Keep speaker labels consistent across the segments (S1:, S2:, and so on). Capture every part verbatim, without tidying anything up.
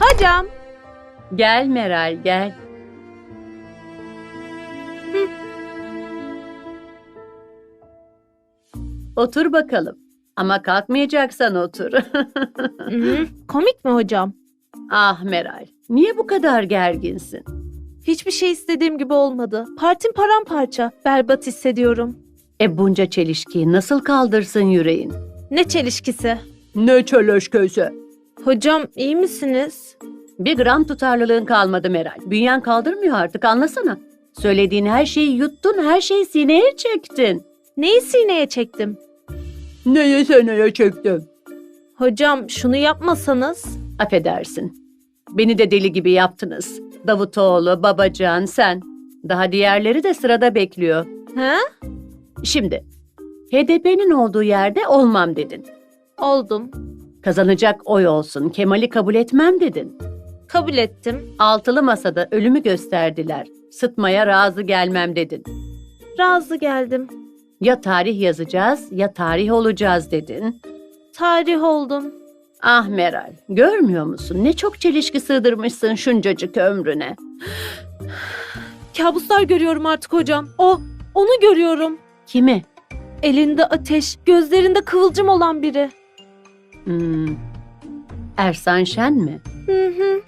S1: Hocam.
S2: Gel Meral, gel.
S1: Hı.
S2: Otur bakalım. Ama kalkmayacaksan otur.
S1: Hı, komik mi hocam?
S2: Ah Meral, niye bu kadar gerginsin?
S1: Hiçbir şey istediğim gibi olmadı. Partim paramparça. Berbat hissediyorum.
S2: E bunca çelişkiyi nasıl kaldırsın yüreğin?
S1: Ne çelişkisi?
S2: Ne çelişkisi?
S1: Hocam iyi misiniz?
S2: Bir gram tutarlılığın kalmadı Meral. Bünyen kaldırmıyor artık, anlasana. Söylediğin her şeyi yuttun, her şeyi sineye çektin.
S1: Neyi sineye çektim?
S2: Neyi sineye çektim?
S1: Hocam şunu yapmasanız.
S2: Affedersin. Beni de deli gibi yaptınız. Davutoğlu, Babacan, sen. Daha diğerleri de sırada bekliyor.
S1: He?
S2: Şimdi, H D P'nin olduğu yerde olmam dedin.
S1: Oldum.
S2: Kazanacak oy olsun, Kemal'i kabul etmem dedin.
S1: Kabul ettim.
S2: Altılı masada ölümü gösterdiler. Sıtmaya razı gelmem dedin.
S1: Razı geldim.
S2: Ya tarih yazacağız ya tarih olacağız dedin.
S1: Tarih oldum.
S2: Ah Meral, görmüyor musun? Ne çok çelişki sığdırmışsın şuncacık ömrüne.
S1: Kabuslar görüyorum artık hocam. O, onu görüyorum.
S2: Kimi?
S1: Elinde ateş, gözlerinde kıvılcım olan biri.
S2: Hmm. Ersan Şen mi?
S1: Hı hı.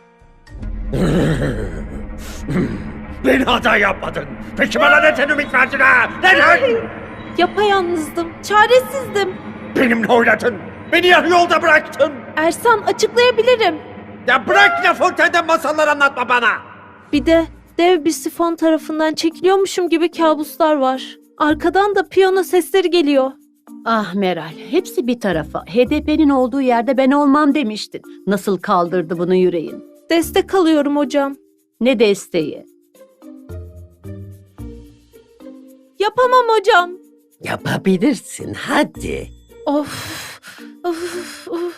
S3: Beni hata yapmadın. Peki bana neden ümit verdin ha? Neden?
S1: Yapayalnızdım, çaresizdim.
S3: Benimle oynadın. Beni yarı yolda bıraktın.
S1: Ersan, açıklayabilirim.
S3: Ya bırak La Fontaine'den masallar anlatma bana.
S1: Bir de dev bir sifon tarafından çekiliyormuşum gibi kabuslar var. Arkadan da piyano sesleri geliyor.
S2: Ah Meral, hepsi bir tarafa. H D P'nin olduğu yerde ben olmam demiştin. Nasıl kaldırdı bunu yüreğin?
S1: Destek alıyorum hocam.
S2: Ne desteği?
S1: Yapamam hocam.
S4: Yapabilirsin, hadi.
S1: Of. Of. Of.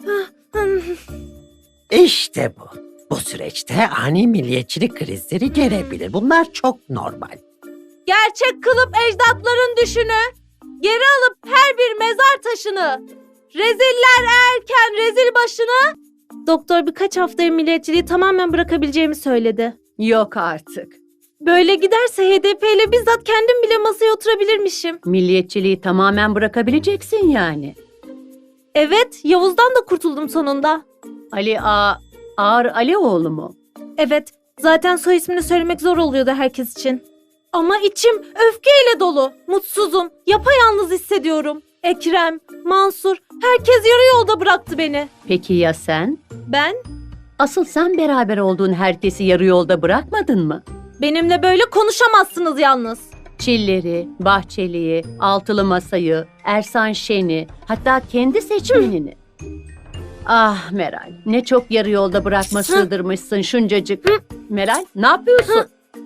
S4: İşte bu. Bu süreçte ani milliyetçilik krizleri gelebilir. Bunlar çok normal.
S1: Gerçek kılıp ecdatların düşünü. Geri alıp her bir mezar taşını. Reziller erken rezil başını. Doktor birkaç haftaya milliyetçiliği tamamen bırakabileceğimi söyledi.
S2: Yok artık.
S1: Böyle giderse H D P ile bizzat kendim bile masaya oturabilirmişim.
S2: Milliyetçiliği tamamen bırakabileceksin yani.
S1: Evet, Yavuz'dan da kurtuldum sonunda.
S2: Ali A. Ağar Alioğlu mu?
S1: Evet, zaten soy ismini söylemek zor oluyordu herkes için. Ama içim öfkeyle dolu, mutsuzum, yapayalnız hissediyorum. Ekrem, Mansur, herkes yarı yolda bıraktı beni.
S2: Peki ya sen?
S1: Ben,
S2: Asıl sen beraber olduğun herkesi yarı yolda bırakmadın mı?
S1: benimle böyle konuşamazsınız yalnız.
S2: Çilleri, Bahçeli'yi, Altılı Masa'yı, Ersan Şen'i, hatta kendi seçmenini. Ah Meral, ne çok yarı yolda bırakma sığdırmışsın şuncacık. Meral, ne yapıyorsun?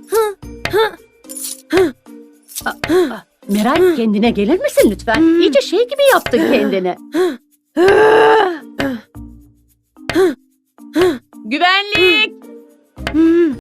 S2: Aa, aa, Meral, kendine gelir misin lütfen? İyice şey gibi yaptın kendini. Güvenlik!